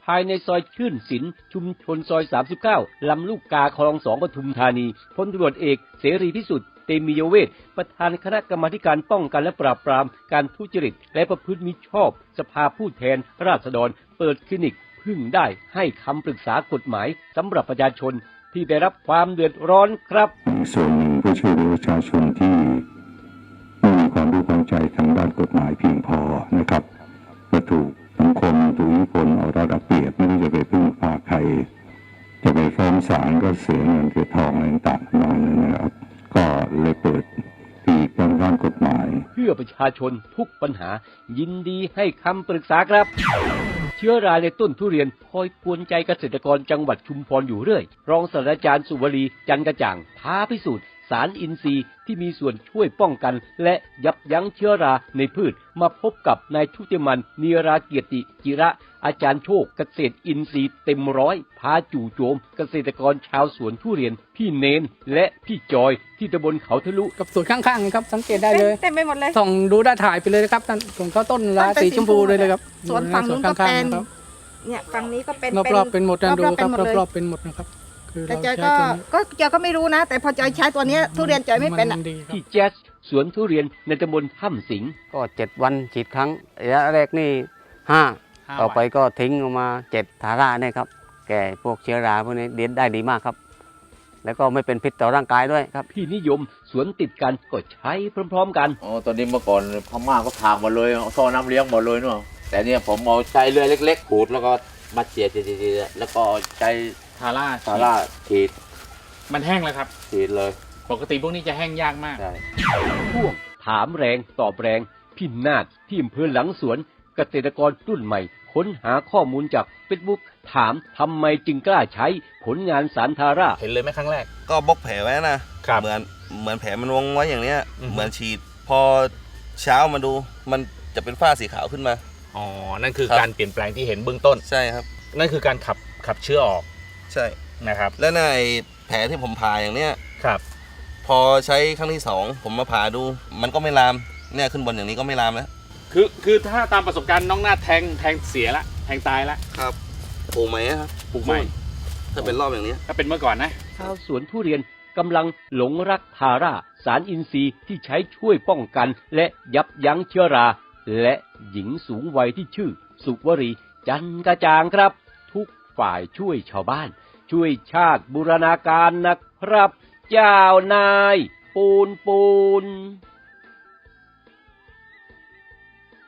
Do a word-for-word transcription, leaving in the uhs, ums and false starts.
ภายในซอยชื่นศิลป์ชุมชนซอยสามสิบเก้าลำลูกกาคลองสองปทุมธานีพลตำรวจเอกเสรีพิสุทธิ์เตมียเวทประธานคณะกรรมาการป้องกันและปราบปรามการทุจริตและประพฤติมิชอบสภาผู้แทนราษฎรเปิดคลินิกพึ่งได้ให้คำปรึกษากฎหมายสำหรับประชาชนที่ได้รับความเดือดร้อนครับส่วนหนึ่งก็ช่วยเหลือประชาชนที่ไม่มีความรู้ความใจทางด้านกฎหมายเพียงพอนะครับก็ถูกสังคมถูกอิทธิพลเอารัดเอาเปรียบไม่รู้จะไปพึ่งพาใครจะไปฟ้องศาลก็เสียเงินเสียทองอะไรต่างๆนั่นนะครับก็เลยเปิดปีกทางด้านกฎหมายเพื่อประชาชนทุกปัญหายินดีให้คำปรึกษาครับเชื้อราในต้นทุเรียนคอยกวนใจเกษตรกรจังหวัดชุมพรอยู่เรื่อยรองศาสตราจารย์สุวรีจันกระจ่างท้าพิสูจน์สารอินทรีย์ที่มีส่วนช่วยป้องกันและยับยั้งเชื้อราในพืชมาพบกับนายชุติมันนีราเกียรติจิระอาจารย์โชคเกษตรอินทรีย์เต็มร้อยพาจู่โจมเกษตรกรชาวสวนทุเรียนพี่เนนและพี่จอยที่ตำบลเขาทะลุกับสวนข้างๆครับสังเกตได้เลยเต็มไปหมดเลยส่องดูได้ถ่ายไปเลยนะครับส่วนเขาต้นราสีชมพูเลยเลยครับสวนฝั่งนู้นก็เป็นเนี่ยฝั่งนี้ก็เป็นรอบๆเป็นหมดนะดูครับรอบๆเป็นหมดนะครับแต่จอยก็ก็จอยก็ไม่รู้นะแต่พอจอยใช้ตัวนี้ทุเรียนจอยไม่เป็นอ่ะที่แจ๊สสวนทุเรียนในตำบลถ้ำสิงก็เจ็ดวันฉีดครั้งระยะแรกนี่ห้าต่อไปก็ทิ้งออกมาเจ็ดทาร่าเนี่ยครับแก่พวกเชื้อราพวกนี้เลี้ยงได้ดีมากครับแล้วก็ไม่เป็นพิษต่อร่างกายด้วยครับพี่นิยมสวนติดกันก็ใช้พร้อมๆกันอ๋อตอนนี้เมื่อก่อนพม่าก็ถากหมดเลยท่อน้ำเลี้ยงหมดเลยเนาะแต่เนี่ยผมเอาใจเรือเล็กๆขูดแล้วก็มาเจียดๆแล้วก็ใจทาร่าทาร่าฉีดมันแห้งแล้วครับฉีดเลยปกติพวกนี้จะแห้งยากมากใช่ช่วงถามแรงตอบแรงพี่นาฏที่อำเภอหลังสวนเกษตรกรรุ่นใหม่ค้นหาข้อมูลจากเฟซบุ๊กถามทำไมจึงกล้าใช้ผลงานสารทาร่าเห็นเลยไหมครั้งแรกก็บล็อกแผลไว้นะเหมือนเหมือนแผลมันวงไว้อย่างเนี้ยเหมือนฉีดพอเช้ามาดูมันจะเป็นฝ้าสีขาวขึ้นมาอ๋อนั่นคือการเปลี่ยนแปลงที่เห็นเบื้องต้นใช่ครับนั่นคือการขับขับเชื้อออกใช่นะครับแล้วในแผลที่ผมผ่าอย่างเนี้ยครับพอใช้ครั้งที่สองผมมาผ่าดูมันก็ไม่ลามเนี่ยขึ้นบนอย่างนี้ก็ไม่ลามแล้วคือคือถ้าตามประสบการณ์น้องหน้าแทงแทงเสียละแทงตายละครับปลูกใหม่ครับปลูกใหม่ถ้าเป็นรอบอย่างนี้ถ้าเป็นเมื่อก่อนนะชาวสวนทุเรียนกำลังหลงรักทาร่าสารอินทรีย์ที่ใช้ช่วยป้องกันและยับยั้งเชื้อราและหญิงสูงวัยที่ชื่อสุวรีจันกระจ่างครับทุกฝ่ายช่วยชาวบ้านช่วยชาติบูรณาการนะครับเจ้านายปูนปูน